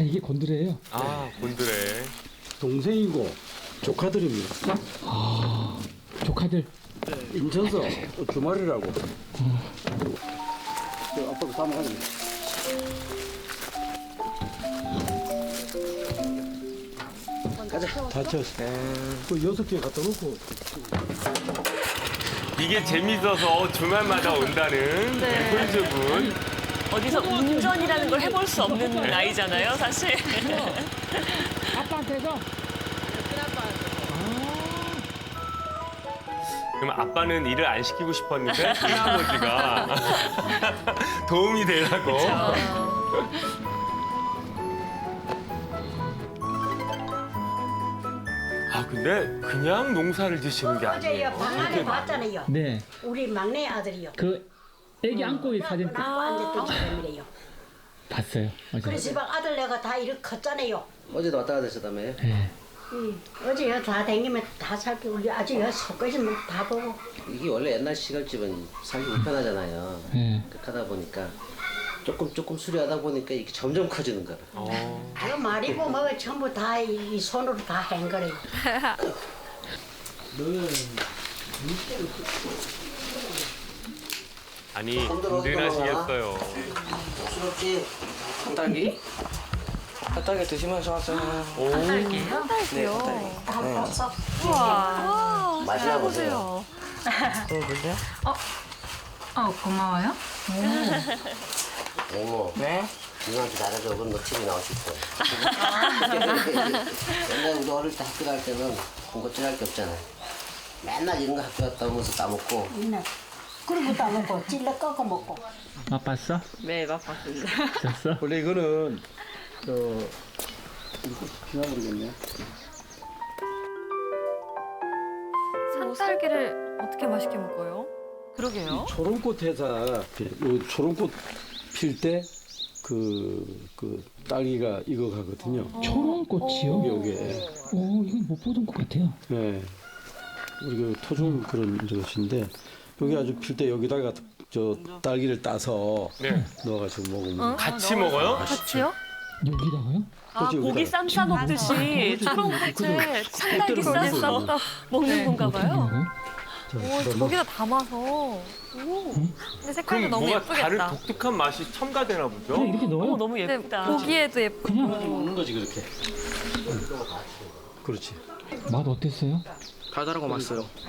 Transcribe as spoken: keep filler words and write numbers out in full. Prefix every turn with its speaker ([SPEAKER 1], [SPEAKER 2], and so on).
[SPEAKER 1] 이게 곤드레예요.
[SPEAKER 2] 아, 곤드레.
[SPEAKER 3] 동생이고 조카들입니다.
[SPEAKER 1] 아, 조카들.
[SPEAKER 3] 인천서 주말이라고. 저 아빠도 사먹하네. 가자. 다 쳤어. 그 여섯 개 갖다 놓고.
[SPEAKER 2] 이게 재밌어서 주말마다 온다는
[SPEAKER 4] 네.
[SPEAKER 2] 홀즈분.
[SPEAKER 4] 어디서 운전이라는 걸 해볼 수 없는 나이잖아요, 사실.
[SPEAKER 1] 아빠한테서.
[SPEAKER 2] 그럼 아빠는 일을 안 시키고 싶었는데 큰아버지가 도움이 되라고. 아 근데 그냥 농사를 지시는 게
[SPEAKER 5] 어제
[SPEAKER 2] 아니에요.
[SPEAKER 5] 방 안에
[SPEAKER 2] 되게
[SPEAKER 5] 봤잖아요.
[SPEAKER 1] 네.
[SPEAKER 5] 우리 막내 아들이요.
[SPEAKER 1] 그 애기 안고 있는 사진
[SPEAKER 5] 안고 앉았던 사람이래요.
[SPEAKER 1] 봤어요. 어제.
[SPEAKER 5] 그래서 지방 아들 내가 다 이렇게 컸잖아요.
[SPEAKER 6] 어제도 왔다 갔다 했었다며.
[SPEAKER 1] 네.
[SPEAKER 5] 응. 어제 여기 다 다니면 다 살피 우리 아주 여기 속까지만 다 보고.
[SPEAKER 6] 이게 원래 옛날 시골집은 살기 불편하잖아요.
[SPEAKER 1] 네.
[SPEAKER 6] 그렇게 하다 보니까 조금 조금 수리하다 보니까 이게 점점 커지는 거라.
[SPEAKER 2] 어.
[SPEAKER 5] 그 말이고 뭐가 전부 다 이 손으로 다 한 거래요.
[SPEAKER 2] 아니 든든하시겠어요.
[SPEAKER 6] 부럽지? 핫딸기? 핫딸기 드시면서 하잖아요.
[SPEAKER 2] 오.
[SPEAKER 4] 딸기요?
[SPEAKER 5] 다 봤어.
[SPEAKER 4] 우와.
[SPEAKER 6] 맛이나 보세요.
[SPEAKER 4] 보세요.
[SPEAKER 7] 어, 고마워요.
[SPEAKER 6] 어머.
[SPEAKER 7] 왜?
[SPEAKER 6] 누나한테 잘해줘. 그럼 너 티비 나올 수 있어. 옛날에 우리 어릴 때 학교 갈 때는 군것질 할 게 없잖아요. 맨날 이런 거 학교 갔다 오면서 따먹고.
[SPEAKER 5] 있네. 그리고 다 먹고 찔러 꺾어 먹고.
[SPEAKER 1] 맛봤어?
[SPEAKER 4] 네, 맛봤습니다.
[SPEAKER 1] 졌어?
[SPEAKER 3] 원래 이거는 저 이거 지나버리겠네.
[SPEAKER 8] 산딸기를 어떻게 맛있게 먹어요?
[SPEAKER 4] 그러게요.
[SPEAKER 3] 초롱꽃 회사 요 초롱꽃 필 때 그 그 딸기가 익어가거든요.
[SPEAKER 1] 초롱꽃이요?
[SPEAKER 3] 여기에.
[SPEAKER 1] 오, 이건 못 보던 것 같아요.
[SPEAKER 3] 네. 우리 그 토종 그런 것인데 여기 아주 필 때 여기다가 저 딸기를 따서
[SPEAKER 2] 네.
[SPEAKER 3] 넣어가지고 먹으면
[SPEAKER 2] 같이 먹어요?
[SPEAKER 8] 같이요?
[SPEAKER 1] 여기다가요?
[SPEAKER 4] 아,
[SPEAKER 3] 그렇지,
[SPEAKER 4] 고기
[SPEAKER 3] 여기다.
[SPEAKER 4] 쌈 싸 먹듯이 초롱꽃에 산딸기 싸서 먹는 건가 봐요.
[SPEAKER 8] 오, 저기다 담아서. 오. 근데 색깔도
[SPEAKER 2] 그럼
[SPEAKER 8] 너무
[SPEAKER 2] 뭐가 다른
[SPEAKER 8] 예쁘겠다.
[SPEAKER 2] 독특한 맛이 첨가되나 보죠?
[SPEAKER 1] 그냥 이렇게 넣어요?
[SPEAKER 4] 어머, 너무
[SPEAKER 8] 근데
[SPEAKER 4] 예쁘다.
[SPEAKER 8] 보기에도 예쁘고.
[SPEAKER 1] 그냥
[SPEAKER 3] 먹는 거지 그렇게. 그렇지.
[SPEAKER 1] 맛 어땠어요?
[SPEAKER 7] 달달하고 맛있어요.